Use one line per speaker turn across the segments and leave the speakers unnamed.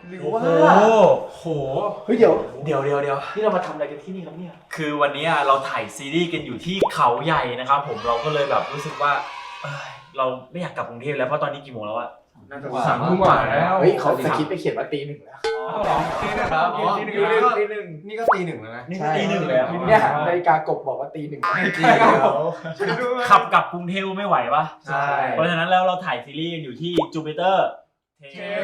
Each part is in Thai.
หรือว่าโห
เฮ้ยเดี๋ยว
นี่เรามาทำอะไรกันที่นี่ครับเนี่ย
คือวันนี้เราถ่ายซีรีส์กันอยู่ที่เขาใหญ่นะครับผมเราก็เลยแบบรู้สึกว่าเราไม่อยากกลับกรุงเทพแล้วเพราะตอนนี้กี่โมงแล้วอะ
3 ทุ่มกว่าแล้ว
เฮ้ยเขาสคริปต์ไปเขียนว่าตี 1แล้ว
ตี 1ครับตี 1นี่ก็ตี 1แล้วนะ
นี่ตี 1แล้ว
เนี่ยนาฬิกากบบอกว่าตี 1
ขับกลับกรุงเทพไม่ไหวปะ
ใช่
เพราะฉะนั้นแล้วเราถ่ายซีรีส์กันอยู่ที่จูปิเตอร์เพ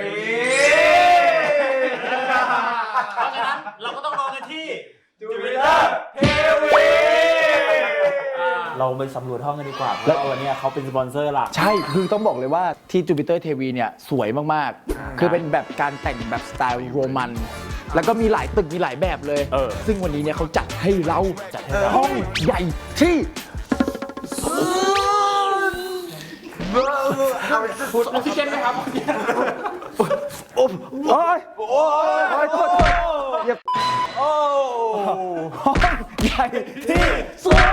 ราะฉะนั้นเราก็ต้องรอกันที่จูปิเตอร์เทวีเราไปสำรวจห้องกันดีกว่าเพราะว่าวันนี้เขาเป็นสปอนเซอร์หลัก
ใช่คือต้องบอกเลยว่าที่จูปิเตอร์เทวีเนี่ยสวยมากๆคือเป็นแบบการแต่งแบบสไตล์โรมันแล้วก็มีหลายตึกมีหลายแบบเลยซึ่งวันนี้เนี่ยเขาจัดให้เราห้องใหญ่ที่
พูดออกซิเจนไหมครับ
โอ้ยโทษอย่าห้องใหญ่ที่สุด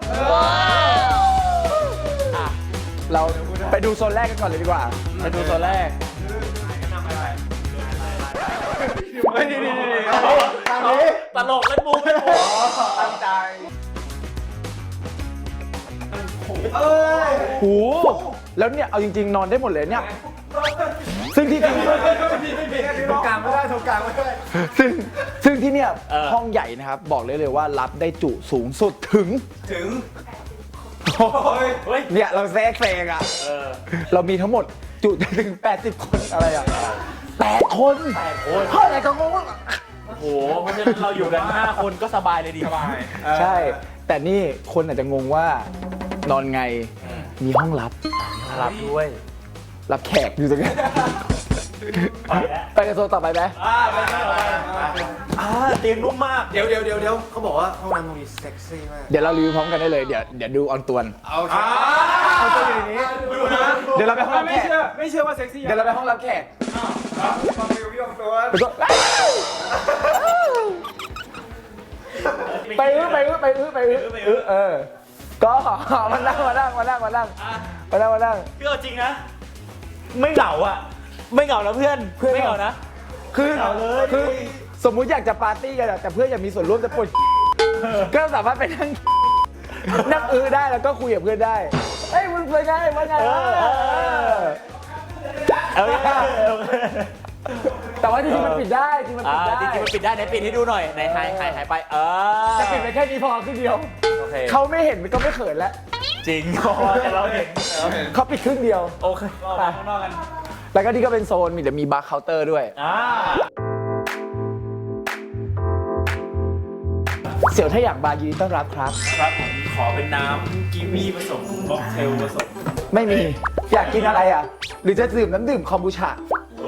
เราไปดูโซนแรกกันก่อนเลยดีกว่าไปดูโซนแรก
ตลกเล่นมุก
ตั้งใจโหแล้วเนี่ยเอาจริงๆนอนได้หมดเลยเนี่ยซึ่งที่จริง
ตรงกลางไม่ได้
ซึ่งที่เนี่ยห้องใหญ่นะครับบอกเลยว่ารับได้จุสูงสุดถึงเนี่ยเราแซงอ่ะเรามีทั้งหมดจุถึง80 คนอะไรอ่ะ8 คนเท่าไหร่ก็งง
โอ้โหเพราะฉะนั้นเราอยู่กัน5 คนก็สบายเลยดีสบาย
ใช่แต่นี่คนอาจจะงงว่านอนไงมีห้องลับ
ด้วย
รับแขกอยู่ตรงนี้ไปกันโซนต่อไปไหม
เตียงนุ่มมาก
เดี๋ยวเขาบอกว่าห้องน้ำตรงนี้เซ็กซี่มาก
เดี๋ยวเรารีวิวพร้อมกันได้เลยเดี๋ยวดูออนตวน
เอาตัวอยู่ในนี้
เดี๋ยวเราไปห้องรับแขก
ไม่เชื่อว่าเซ็กซี่
เดี๋ยวเราไปห้องรับแขก
ฟังรีวิวออนตวน
ไปก็มานั่ง
พี่เอาจริงนะไม่เหงาอ่ะไม่เหงานะเพื่อนไม่เหงานะ
คือสมมุติอยากจะปาร์ตี้กันแต่เพื่อนอยากมีส่วนร่วมจะปวดก็สามารถไปนั่งได้แล้วก็คุยกับเพื่อนได้เฮ้ยมึงเป็นไงแต่ว่าจริงๆมันปิดได้จริงๆมันปิดได้
ไหนปิดให้ดูหน่อยไหนหายไป
แต่ปิดไปแค่นี้พอครึ่งเดียวเขาไม่เห็นมันก็ไม่เขินแล้ว
จริงแต่เราเห็น
เขาปิดครึ่งเดียว
โอเคไปข้างนอกกัน
แล้วก็นี่ก็เป็นโซนเดี๋ยวมีบาร์เคาน์เตอร์ด้วยเสี่ยวถ้าอยากบาร์ยินดีต้อนรับครับ
ผมขอเป็นน้ำกีวีผสมค็อกเทลผสม
ไม่มีอยากกินอะไรอ่ะหรือจะดื่มน้ำดื่มคอมบูชา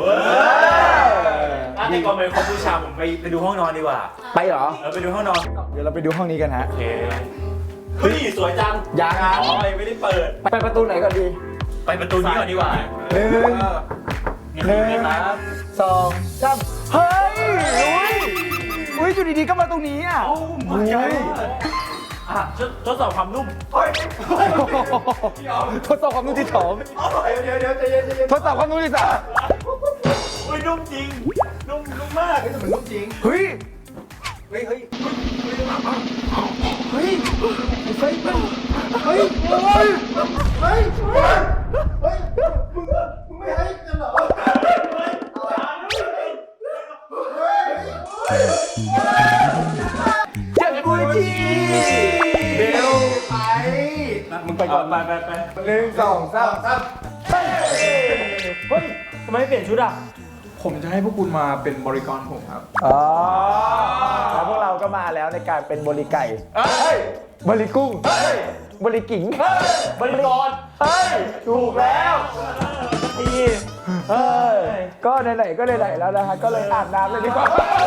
ในก่อนไปคอมบูชาผมไปดูห้องนอนดีกว่า
ไปเหรอ
ไปดูห้องนอน
เดี๋ยวเราไปดูห้องนี้กันฮะ
โอเคเฮ้ยสวยจัง
ยัง
ไม่ได้เปิด
ไปประตูไหนก่อนดี
ไปประตูนี้ก่อนดีกว่า
1
ครับ
2 3เฮ้ยอยู่ดีๆก็มาตรงนี้อ่ะ
ทดสอบความนุ่ม
ทดสอบความนุ่มที่2
เดี๋ยวใจเย็น
ทดสอบความนุ่มที่3
นุ่มจริงนุ่มมาก
มันนุ่มจริง
เฮ้ย
มึงไม่ให้กันเหรอ
จังกุยจี
เดี๋ยวไป
มึงไปก่อนไป
1 2 3
เฮ้ยทำไมไม่เปลี่ยนชุดอ่ะ
ผมจะให้พวกคุณมาเป็นบริกรผมครับ
แล้วพวกเราก็มาแล้วในการเป็นบริไก่บริกุ้งบริกิ่ง
บริกร
ถูกแล้วก็ไหนๆก็ไหนๆแล้วนะฮะก็เลยอาบน้ำเลยดีกว่า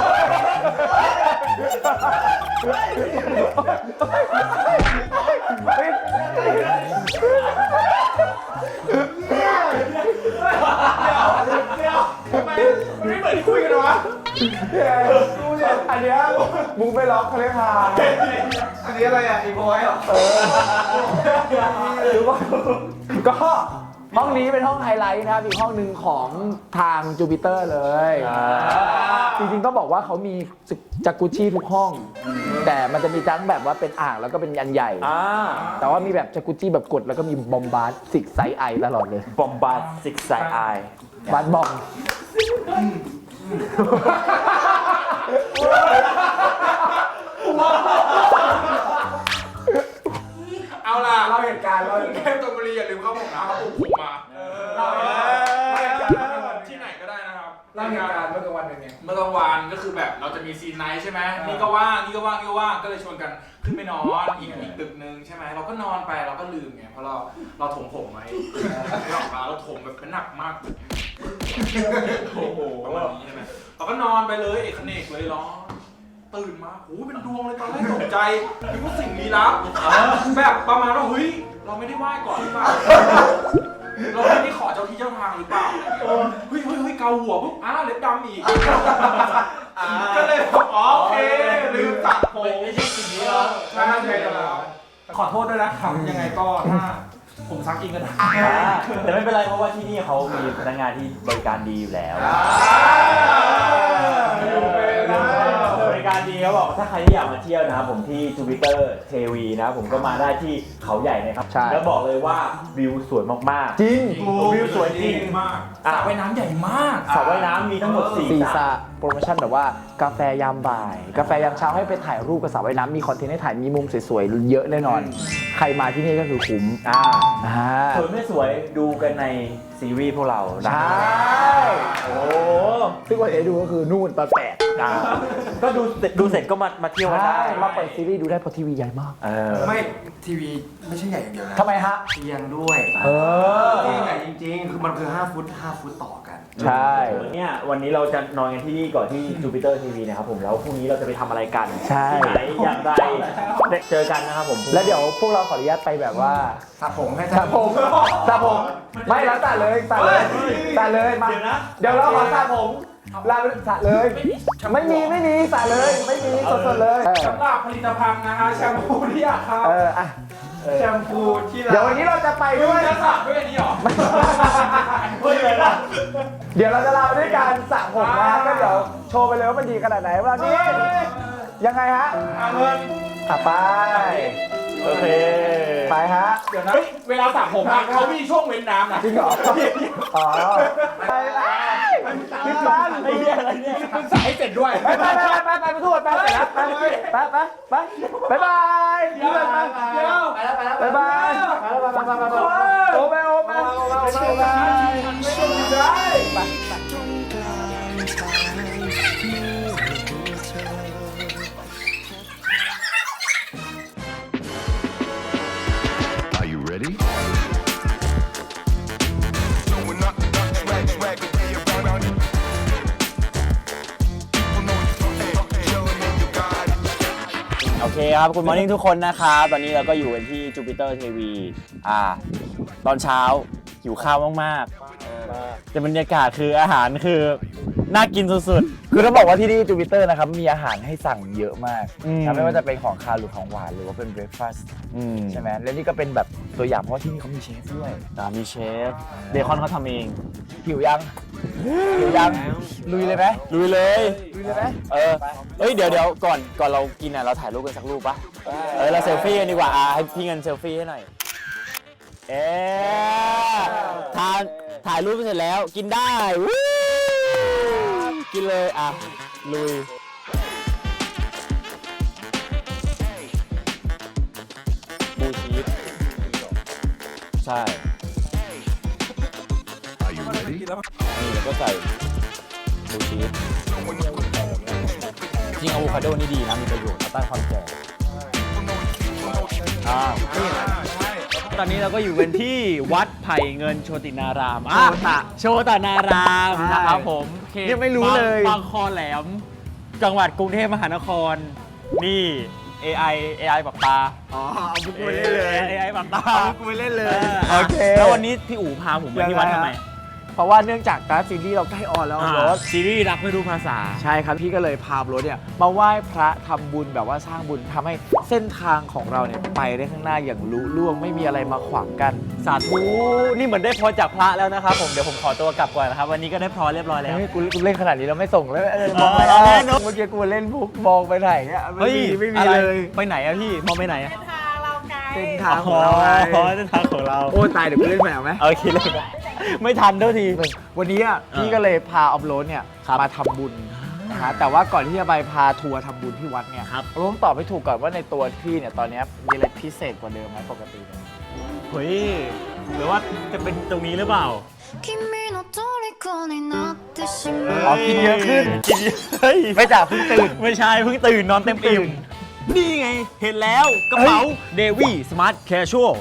ไม่เหมือนที่คุยกันวะ
อันเนี้ยมึงไปล็อกเขาเลยค่ะ
อันนี้อะไรอ่ะอีโมยเหรอ
หรือว่าก็ห้องนี้เป็นห้องไฮไลท์นะครับอีกห้องหนึ่งของทางจูปิเตอร์เลยจริงๆต้องบอกว่าเขามีจากกุชชี่ทุกห้อง แต่มันจะมีทั้งแบบว่าเป็นอ่างแล้วก็เป็นอันใหญ่แต่ว่ามีแบบจากกุชชี่แบบกดแล้วก็มีบอมบาร์ซิกไซไอตลอดเลย
บอมบาร์ซิกไซไอบ
าร์บอม
เอาล่ะเราเหตุการณ์เราแก้มตบุรีอย่าลืมเข้าผมนะครับผมมาเราเหตุการณ์ที่ไหนก็ได้นะครับเล่าเหตุการณ์เมื่อกลางวันเป็นไงเมื่อกลางวันก็คือแบบเราจะมีซีนไนท์ใช่ไหมนี่ก็ว่างนี่ก็ว่างนี่ก็ว่างก็เลยชวนกันขึ้นไปนอนอีกตึกนึงใช่ไหมเราก็นอนไปเราก็ลืมไงเพราะเราถมผมไว้เราถมแบบเป็นหนักมากโอ้โหประมาณนี้ใช่ไหมเราก็นอนไปเลยเอกเนกเลยร้องตื่นมาโอ้เป็นดวงเลยตอนแรกตกใจคิดว่าสิ่งลี้ลับแบบประมาณว่าเฮ้ยเราไม่ได้ไหว้ก่อนหรือเปล่าเราไม่ได้ขอเจ้าที่เจ้าทางหรือเปล่าเฮ้ยเกาหัวปุ๊บเล็บดำอีกก็เลยบอกโอเคลืมตัดผมไม่ใช่สิ่งนี้หรอใช่แล้วขอโทษด้วยนะครับยังไงก็ถ้าผมซักเองก็ได้
แต่ไม่เป็นไรเพราะว่าที่นี่เขามีพนักงานที่บริการดีอยู่แล้วบริการดีเขาบอกถ้าใครที่อยากมาเที่ยวนะครับผมที่จูปิเตอร์เทวีนะผมก็มาได้ที่เขาใหญ่นะครับแล้วบอกเลยว่าวิวสวยมากๆ
จริง
วิวสวยจริง
มากสระว่ายน้ำใหญ่มาก
สระว่ายน้ำมีทั้งหมด4
สระโปรโมชั่นแบบว่ากาแฟยามบ่ายกาแฟยามเช้าให้ไปถ่ายรูปกับสระว่ายน้ำมีคอนเทนต์ให้ถ่ายมีมุมสวยๆเยอะแน่นอนใครมาที่นี่ก็คือคุ้ม
สวยไม่สวยดูกันในซีรีส์พวกเรา
ใช่โอ้ซึ่งวันเอดูก็คือนู่นตอน8
ก็ดูเสร็จก็มาเที่ยวกันได้
มาเปิดซีรีส์ดูได้เพราะทีวีใหญ่มาก
ไม่ทีวีไม่ใช่ใหญ่อย่างเดียวนะ
ทำไมฮะ
เตียงด้วยใหญ่จริงๆคือมันคือ5 ฟุตต่อกัน
ใช่
เนี่ยวันนี้เราจะนอนกันที่นี่ก่อนที่จูปิเตอร์ทีวีนะครับผมแล้วพรุ่งนี้เราจะไปทำอะไรกันที่ไหนอย่างไรเจอกันนะครับผม
แล้วเดี๋ยวพวกเราขออนุญาตไปแบบว่า
สระผมให้
สระผมไม่แล้วสระเลยมาเดี๋ยวเราขอสระผมลาสระเลยไม่มีสระเลยไม่มีสดๆเลย
สำหรับผลิตภัณฑ์นะฮะแชมพูที่อยากครับแชมพูที่
เดี๋ยววันนี้เราจะไปด้วย
จะสระด้วยนี่หรอ
ไม่เลยนะเดี๋ยวเราจะลาด้วยการสระผมนะก็เดี๋ยวโชว์ไปเลยว่ามันดีขนาดไหนวันนี้ยังไงฮะ
เงิน
ไป
โอเค
ไปฮะ
เดี๋ยวนะเวลาสระผมเขามีช่วงเว้นน้ำนะ
จริงเหรออ๋อไปพี่ปัน
ไอ้เหี้ยอะไรเนี่ย
มึงสระให้เสร็จด้วย
ไปทุกคนไปเสร็จแล้วไปบาย
เดี๋ยว
ไปบายโอ้ไป
Ready?
โอเคครับคุณมอร์นิ่งทุกคนนะครับตอนนี้เราก็อยู่กันที่จูปิเตอร์ทีวีตอนเช้าหิวข้าวมากๆแต่บรรยากาศคืออาหารคือน่ากินสุด
ๆคือต้องบอกว่าที่นี่จูปิเตอร์นะครับมีอาหารให้สั่งเยอะมากไม่ว่าจะเป็นของคาวหรือของหวานหรือว่าเป็นเบรคฟาสต์ใช่ไหมและนี่ก็เป็นแบบตัวอย่างเพราะที่นี่เขามีเชฟด้วย
มีเชฟเบคอนเขาทำเอง
หิวยังลุยเลยไหม
ลุยเลย
ไหม
เดี๋ยวก่อนเรากินเราถ่ายรูปกันสักรูปปะเราเซลฟี่กันดีกว่าให้พี่เงินเซลฟี่ให้หน่อยถ่ายรูปเสร็จแล้วกินได้กินเลยลุยบูชีสใช่นี่แล้วก็ใส่บูชีสจริงอะโวคาโดนี่ดีนะมีประโยชน์ต้านความแก่ตอนนี้เราก็อยู่กันที่วัดไผ่เงินโชตินารามโชตนารามนะครับผม
ยังไม่รู้เลย
บางคอแหลมจังหวัดกรุงเทพมหานครนี่ AI ปรับตา
เอาบุกไปเล่นเลย
AI ปรับตา
เอาบุกไปเล่นเลย
โอเคแล้ววันนี้พี่อู๋พาผมมาที่วัดทำไม
เพราะว่าเนื่องจากการซีรีส์เราใกล้ออนแล้วรถ
ซีรีส์รักไม่รู้ภาษา
ใช่ครับพี่ก็เลยพารถเนี่ยมาไหว้พระทำบุญแบบว่าสร้างบุญทำให้เส้นทางของเราเนี่ยไปได้ข้างหน้าอย่างลุล่วงไม่มีอะไรมาขวางกัน
สาธุนี่เหมือนได้พรจากพระแล้วนะครับผมเดี๋ยวผมขอตัวกลับก่อนนะครับวันนี้ก็ได้พรเรียบร้อยแล้ว
เฮ้ยกูเล่นขนาดนี้เราไม่ส่งแล้วมองไป
เอาแน่นอน
เมื่อกี้กูเล่นพุกมองไปไหนเนี่ยไม่มี
อะไร
เลย
ไปไหนอะพี่มองไปไหนอะ
เส้นทางของเราไง
เส้นทางของเรา
โอ้ตายเดี๋ยวกูเล่นแมวไหม
โอเคเลยไม่ทันเท่าที
วันนี้อะพี่ก็เลยพาออฟโรดเนี่ย
ครับ
มาทำบุญนะฮะแต่ว่าก่อนที่จะไปพาทัวร์ทำบุญที่วัดเนี่ย
ครับ
เราต้องตอบให้ถูกก่อนว่าในตัวพี่เนี่ยตอนเนี้ยมีอะไรพิเศษกว่าเดิมไหมปกติเนี่ย
เฮ้ยหรือว่าจะเป็นตรงนี้หรือเปล่า
君の虜になってし
อ๋อ
まう
กินเยอะขึ้น
กินเยอะเฮ้ย
ไม่จ่าเพิ่งตื่น
ไม่ใช่เพิ่งตื่นนอนเต็มอิ่มนี่ไงเห็นแล้วกระเป๋าเดวี่สมาร์ทแคชชวล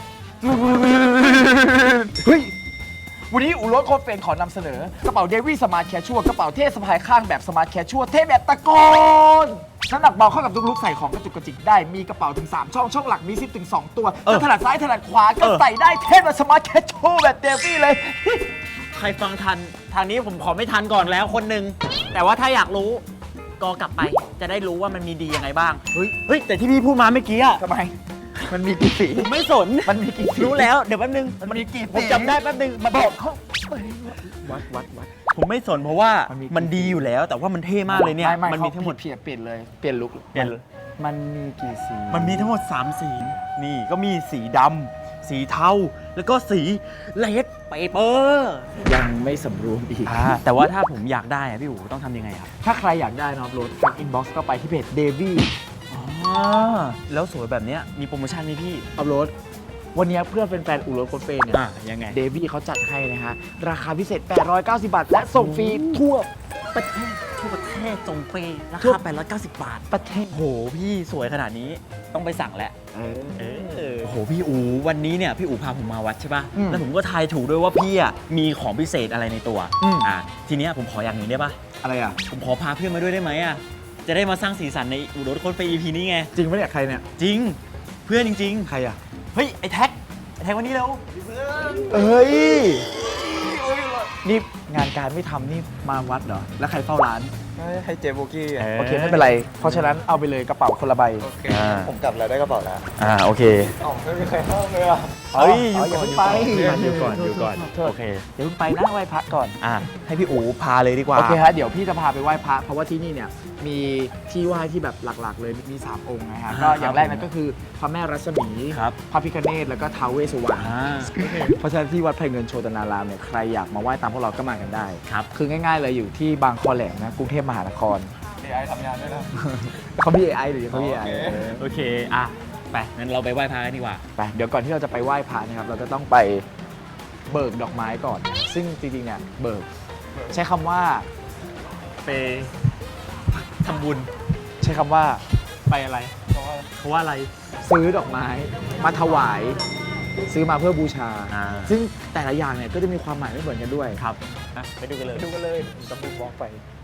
เฮ้ย วันนี้อู่รถโคตรเฟรนขอนำเสนอกระเป๋าเดวี่สมาร์ทแคชชัวกระเป๋าเท่สะพายข้างแบบสมาร์ทแคชชัวเท่แบบตะโกนน้ำหนักเบาเข้ากับทุกลุกใส่ของกระจุกกระจิกได้มีกระเป๋าถึง 3 ช่องหลักมีซิปถึง 2 ตัวจะถนัดซ้ายถนัดขวาก็ใส่ได้เท่แบบสมาร์ทแคชชัวแบบเดวี่เลย
ใครฟังทันทางนี้ผมขอไม่ทันก่อนแล้วคนหนึ่งแต่ว่าถ้าอยากรู้ก็กลับไปจะได้รู้ว่ามันมีดียังไงบ้าง
เฮ้ย
เฮ้ยแต่ที่พี่พูดมาเมื่อกี้อะ
ทำไม มันมีกี่สี
ผมไม่สน
มันมีกี่สี
รู้แล้วเดี๋ยวแป๊บนึง
มันมีกี่สี
ผมจำได้แป๊บนึงมาบอกเขา
วัด
ผมไม่สนเพราะว่า
มันมี
มันดีอยู่แล้ว แต่ว่ามันเท่มากเลยเนี่ย
ไม่
มันมีทั้งหมด
เปลี่ยนเลยเปลี่ยนลุก
เปลี่ยน
มันมีกี่สี
มันมีทั้งหมด 3 สีนี่ก็มีสีดำสีเทาแล้วก็สีเลดเปเปอร์
ยังไม่สำรวมอีก
แต่ว่าถ้าผมอยากได้อะพี่อู๋ต้องทำยังไงครับ
ถ้าใครอยากได้นะครับรถทักอินบ็อกซ์ก็ไปที่เพจเดวี่
แล้วสวยแบบเนี้ยมีโปรโมชั่นไหมพี่
อัพโหลดวันนี้เพื่อเป็นแฟนอู่รถโคตรเฟรนเนี่ย
ยังไง
เดวี่เขาจัดให้นะฮะ ราคาพิเศษ 890 บาท และส่งฟรีทั่วประเทศ
ทั่วประเทศส่งฟรีรา
ทั่ว
คา890 บาท
ประเทศ
โหพี่สวยขนาดนี้ต้องไปสั่งแล้ว
เออ
โอ้โหพี่อูวันนี้เนี่ยพี่อูพาผมมาวัดใช่ป่ะ
อืม
แล้วผมก็ทายถูกด้วยว่าพี่อ่ะมีของพิเศษอะไรในตัว
อืม
ทีเนี้ยผมขออย่างหนึ่งได้ป่ะ
อะไรอ่ะ
ผมขอพาเพื่อนมาด้วยได้ไหมอ่ะจะได้มาสร้างสีสันในอูรถโค้ดไป EP นี้ไง
จริงปะเนี่ยใครเนี่ย
จริงเพื่อนจริง
ใครอ่ะ
ๆเฮ้ยไอ้แท็กวันนี้แล้ว
เอ้ย นี่งานการไม่ทำนี่มาวัดเหรอ แล้วใครเฝ้าร้าน
ให้เจโบกี้
โอเค ไม่เป็นไร เพราะฉะนั้นเอาไปเลยกระเป๋าคนละใบ
ผมกลับแล้วได้กระเป๋าแล้ว
โอเค
อ๋อไม่มีใครเข้าเลยอ่ะ
เฮ้ย
อย่าเพิ่งไป
อยู่ก่อนโอเค
เดี๋ยวเพิ่งไปนะไหว้พระก่อน
ให้พี่อูพาเลยดีกว่า
โอเคฮะเดี๋ยวพี่จะพาไปไหว้พระเพราะว่าที่นี่เนี่ยมีที่ไหว้ที่แบบหลักๆ เลยมี 3 องค์นะฮะก็อย่างแรกนั่นก็คือพระแม่รัศมี
ครับ
พระพิฆเนศแล้วก็ท้าวเวสสุวรรณเพราะฉะนั้นที่วัดไผ่เงินโชตนารามเนี่ยใครอยากมาไหว้ตามพวกเราก็มากันได้
ครับ
คือง่ายๆเลยอยู่ที่บางคอแหลมนะกรุงเทพมหานคร
AI ทำงานด้วยนะ
เขามี AI หรือเขามี AI
โอเคไปงั้นเราไปไหว้พระกันดีกว่า
ไปเดี๋ยวก่อนที่เราจะไปไหว้พระนะครับเราจะต้องไปเบิกดอกไม้ก่อน ซึ่งจริงๆเนี่ยเบิกใช้คำว่า
ไปทำบุญ
ใช้คำว่า
ไปอะไร เพราะว่าอะไร
ซื้อดอกไม้มาถวาย ซื้อมาเพื่อบูชา ซึ่งแต่ละอย่างเนี่ยก็จะมีความหมายไม่เหมือนกันด้วย
ครับไปดูกันเลย
ดูกันเลยต้องดูบล็อกไป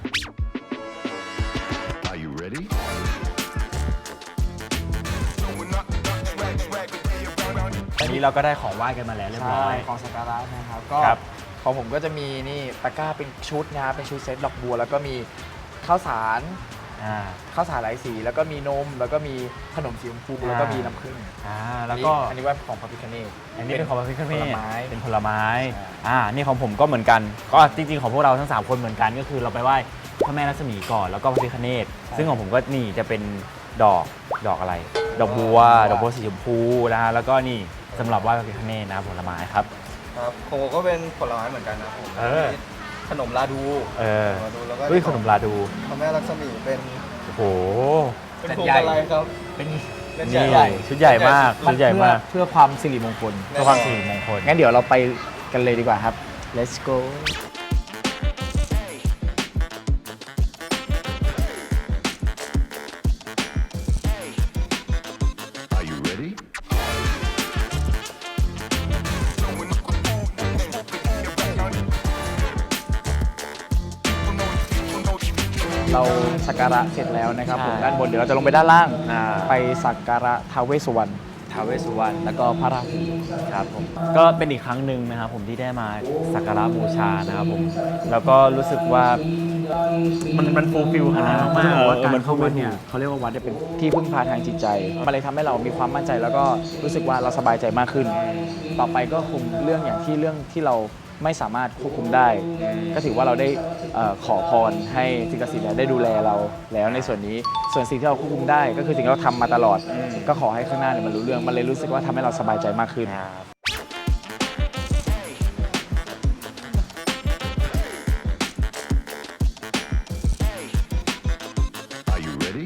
Are you ready?
อันนี้เราก็ได้ของไหว้กันมาแล้วเรียบร้อย
ของสักการะนะครับก็
ครับ
ของผมก็จะมีนี่ตะกร้าเป็นชุดนะครับเป็นชุดเซตดอกบัว แล้วก็มีข้าวสารหลายสีแล้วก็มีนมแล้วก็มีขนมสีชมพูแล้วก็มีน้ำผึ้ง
แล้วก็
อันนี้ว่าของพระพิฆเนศ
อันนี้เป็นของพระพิฆเนศ
ผลไม้
เป็นผลไม้
ใช่
นี่ของผมก็เหมือนกัน ก็จริงๆของพวกเราทั้ง 3 คนเหมือนกัน ก็คือเราไปไหว้พระแม่รัศมีก่อนแล้วก็พระพิฆเนศซึ่งของผมก็นี่จะเป็นดอกอะไร ดอกบัวสีชมพูนะฮะแล้วก็นี่สำหรับไหว้พระพิฆเนศนะผลไม้ครับ
ครับของผมก็เป็นผลไม้เหมือนกันนะผม มีขนมลาดู แล้วก็
ขนมลาดู
พระแม่ลักษมีเป็น
โอ้โห
เป็นพวงอะไรครับ
เป็น
เป็น
นี่
ใหญ่
ชุดใหญ่มากชุดใหญ่มาก
เพื่อความสิริมงคล
เพื่อความสิริมงคล
งั้นเดี๋ยวเราไปกันเลยดีกว่าครับ let's go
Are you ready?
เราสักการะเสร็จแล้วนะครับผม
ใช่
ด้านบนเดี๋ยวเราจะลงไปด้านล่างไปสักการะท้าวเวสสุวรรณ
ท้าวเวสสุวรรณแล้วก็พระราหูครับผมก็เป็นอีกครั้งหนึ่งนะครับผมที่ได้มาสักการะบูชานะครับผมแล้วก็รู้สึกว่ามันฟูลฟิลขนาดมาก
ว่าการเข้าวัดเนี่ยเขาเรียกว่าวัดเป็นที่พึ่งพาทางจิตใจมันเลยทำให้เรามีความมั่นใจแล้วก็รู้สึกว่าเราสบายใจมากขึ้น ต่อไปก็คงเรื่องที่เราไม่สามารถควบคุมได้ ก็ถือว่าเราได้ขอพรให้สิ่งศักดิ์สิทธิ์ได้ดูแลเราแล้วในส่วนนี้ส่วนสิ่งที่เราควบคุมได้ก็คือสิ่งที่เราทำมาตลอดก็ขอให้ข้างหน้าเนี่ยมันรู้เรื่องมันเลยรู้สึกว่าทำให้เราสบายใจมากขึ้น
Are you ready?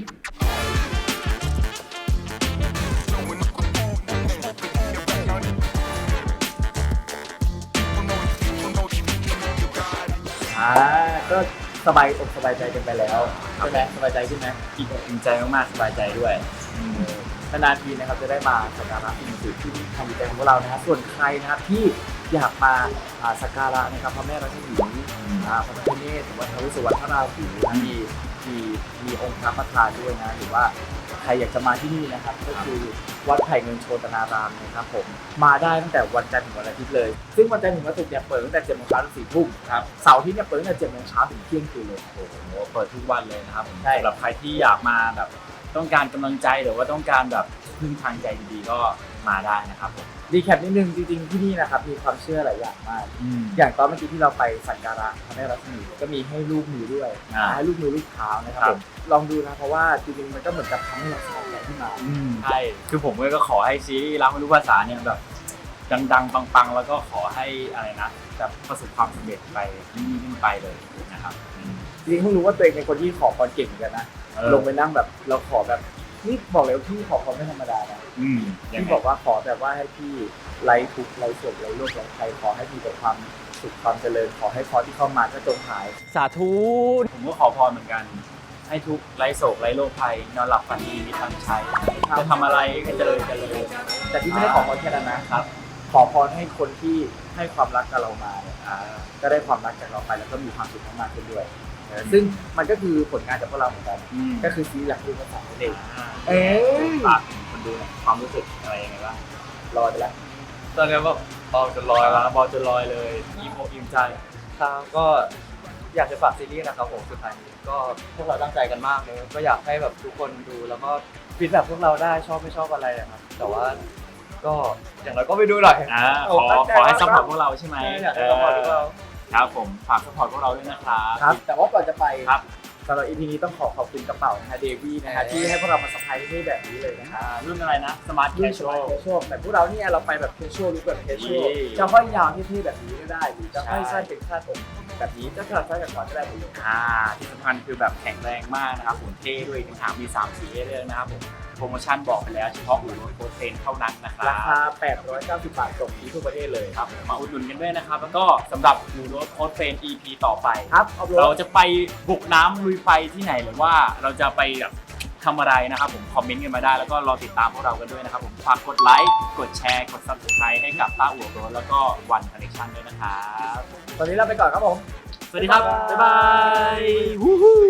ก็สบายอกสบายใจกันไปแล้วใช่ไหมสบายใจขึ้นไหม
อิ่มอกอิ่มใจมากๆสบายใจด้วย
นานๆทีนะครับจะได้มาสักการะสิ่งศักดิ์สิทธิ์ที่ทางจิตใจของพวกเรานะครับส่วนใครนะครับที่อยากมาสักการะนะครับพระแม่รัศมีพระพิฆเนศหรือว่าท้าวเวสสุวรรณพระราหูนะมีองค์พระประธานด้วยนะหรือว่าใครอยากจะมาที่นี่นะครับก็คือวัดไผ่เงินโชตนารามนะครับผมมาได้ตั้งแต่วันจันทร์ถึงวันอาทิตย์เลยซึ่งวันจันทร์ถึงวันศุกร์เนี่ยเปิดตั้งแต่7 โมงเช้าถึง 4 ทุ่มครับเสาร์อาทิตย์เนี่ยเปิดตั้งแต่7 โมงเช้าถึงเที่ยงคืนเลย
โอ้โหเปิดทุกวันเลยนะครับผม
ใช่
สำหรับใครที่อยากมาแบบต้องการกำลังใจหรือว่าต้องการแบบพึ่งทางใจดีๆก็มาได้นะครับผม
รีแคปนิดนึงจริงๆที่นี่นะครับมีความเชื่อหลายอย่างมาก อย่างตอนเมื่อกี้ที่เราไปสักการะพระแม่รัศมีก็มีให้ลูกมือด้วยให้ลูกมือลูกเท้านะครับผมลองดูนะเพราะว่าจริงๆมันก็เหมือนกับทำให้เราสบายใจขึ้นมา
ใช่คือผมก็ขอให้ซีรีส์รักไม่รู้ภาษาเนี่ยแบบดังๆปังๆแล้วก็ขอให้อะไรนะแบบประสบความสำเร็จไปยิ่งไปเลยนะครับ
จริงๆเพิ่งรู้ว่าตัวเองเป็นคนที่ขอพรเก่งเหมือนกันนะลงไปนั่งแบบเราขอแบบนี่บอกเลยว่าพี่ขอพรไม่ธรรมดานะพี่บอกว่าขอแบบว่าให้พี่ไร้ทุกข์ไร้โศกไร้โรคไร้ภัยขอให้มีแต่ความสุขความเจริญขอให้พรที่เข้ามาก็จงหาย
สาธุผมก็ขอพรเหมือนกันให้ทุกไร้โศกไร้โรคภัยนอนหลับฝันดีมีตังค์ใช้จะทำอะไรให้เจริญ
แต่ที่ไม่ได้ขอพรแค่นั้นนะครับ ขอพรให้คนที่ให้ความรักกับเรามาเนี่ยก็ได้ความรักจากเราไปแล้วก็มีความสุขมากขึ้นด้วยซึ่งมันก็คือผลงานจากพวกเราเหมือนกันก็คือซีรีส์หลักคือภาษาเด็ก
ฝากคนดูหน่อยความรู้สึกอะไรยังไงบ้าง
รอไปแล้ว
ตอนนี้แบบเบาจนลอยแล้ว
บอลจนลอยเลยอิ่มอกอิ่มใจ
ครับก็อยากจะฝากซีรีส์นะครับผมสุดท้ายนี้ก็พวกเราตั้งใจกันมากเลยก็อยากให้แบบทุกคนดูแล้วก็ฟีดแบบพวกเราได้ชอบไม่ชอบอะไรนะครับแต่ว่าก็อย่างไรก็ไปดูหน่อย
ขอให้ซัพพอร์ตพวกเราใช่ไหม
อยากให้ซัพพอร์ตพวกเรา
ครับผมฝากซัพพอร์ตพวกเราด้วยนะครับ
ครับแต่ว่าก่อนจะไป
ครับ
สำหรับ EP นี้ต้องขอบคุณกระเป๋านะฮะเดวี่นะฮะที่ให้พวกเรามาสัมภาษณ์ที่นี่แบบนี้เลยนะฮะ
รุ่นอะไรนะสมาร์ทแค
รุ่น
ช
ส
ช
มั
วย ล
แคชชวลแต่พวกเราเนี่ยเราไปแบบแคชชวลหรือแบบแคชชวล
นี่
จะห้อยยาวที่แบบนี้ก็ได้หรือจะห้อย
ใช่
สั้นเป็นคาดอกแบบนี้จะขาดสั้นกับขอก็ได้หมดเลย
ที่สำคัญคือแบบแข็งแรงมากนะครับผมเท่ด้วยทั้งทางมี3สีให้เลือกนะครับผมโปรโมชั่นบอกไปแล้วเฉพาะอู่รถโคเทนเท่านั้นนะครั
รา
บ
คา 890 บาทส่งฟรีทั่วประเทศเลย
ครับมาอุดหนุนกันด้วยนะครับแล้วก็สำหรับอู่รถโคเทน EP ต่อไป
ครับเอา
เราจะไปบุกน้ำลุยไฟที่ไหนหรือว่าเราจะไปแบบทำอะไรนะครับผมคอมเมนต์กันมาได้แล้วก็รอติดตามพวกเรากันด้วยนะครับผมฝากกดไลค์กดแชร์กด Subscribe ให้กับต้าอู่รถแล้วก็วันคอนเนคชั่นด้วยนะครับ
ตอนนี้เราไปก่อนครับผม
สวัสดีครับบ๊ายบาย